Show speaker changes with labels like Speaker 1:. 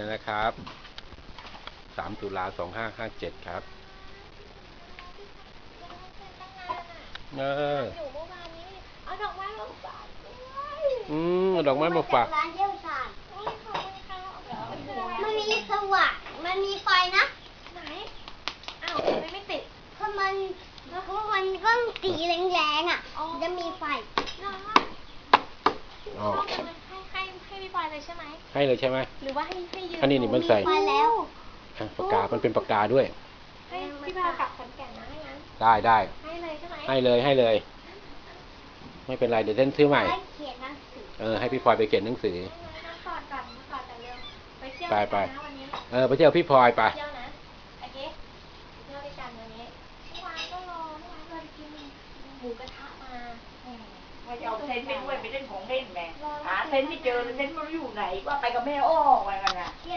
Speaker 1: นะครับ3 ตุลา 2557ครับ
Speaker 2: อยู่เมื่อวานนี้เอาดอกไม้มาฝาก
Speaker 1: ดอกไม้มาฝาก
Speaker 3: ร้านเยี่ยวชาญมันมีสว่างมันมีไฟนะ
Speaker 2: ไหนอ้าวไม่ติด
Speaker 3: เพราะมันก็สีแรงๆอ่ะจะมีไฟ
Speaker 2: ให้พี่ปอยเลยใช่ไหม
Speaker 1: ให้เลยใช่ไหม
Speaker 2: หรือว่าให้ยืม
Speaker 1: อันนี้มันใส่
Speaker 3: ไปแล้ว
Speaker 1: ปากกามันเป็นปากกาด้วย
Speaker 2: ให้พี่ปอยกลับขอนแก่นนะให้งั้น
Speaker 1: ได้
Speaker 2: ให้เลยใช่ไหม
Speaker 1: ให้เลยไม่เป็นไรเดี๋ยวเต้นซื้อใหม่ให้พี่พลอยไปเขียนหนังสือ
Speaker 2: กอดกันเร็วไปเที่ยว
Speaker 1: ไป
Speaker 2: วันนี้
Speaker 1: ไปเที่ยวพี่พลอยไป
Speaker 2: เที่ยวนะโอเคเที่ยวด้วยกันวันนี้เมื่อวานก็รอกินหมูกระทะมา
Speaker 4: ว่าจะเอาเซนไปด้วยไปเล่นของเล่นแม่หาเซนไม่เจอเซนไม่รู้อยู่ไหนว่าไปกับแม่อ้อไปกันน่ะ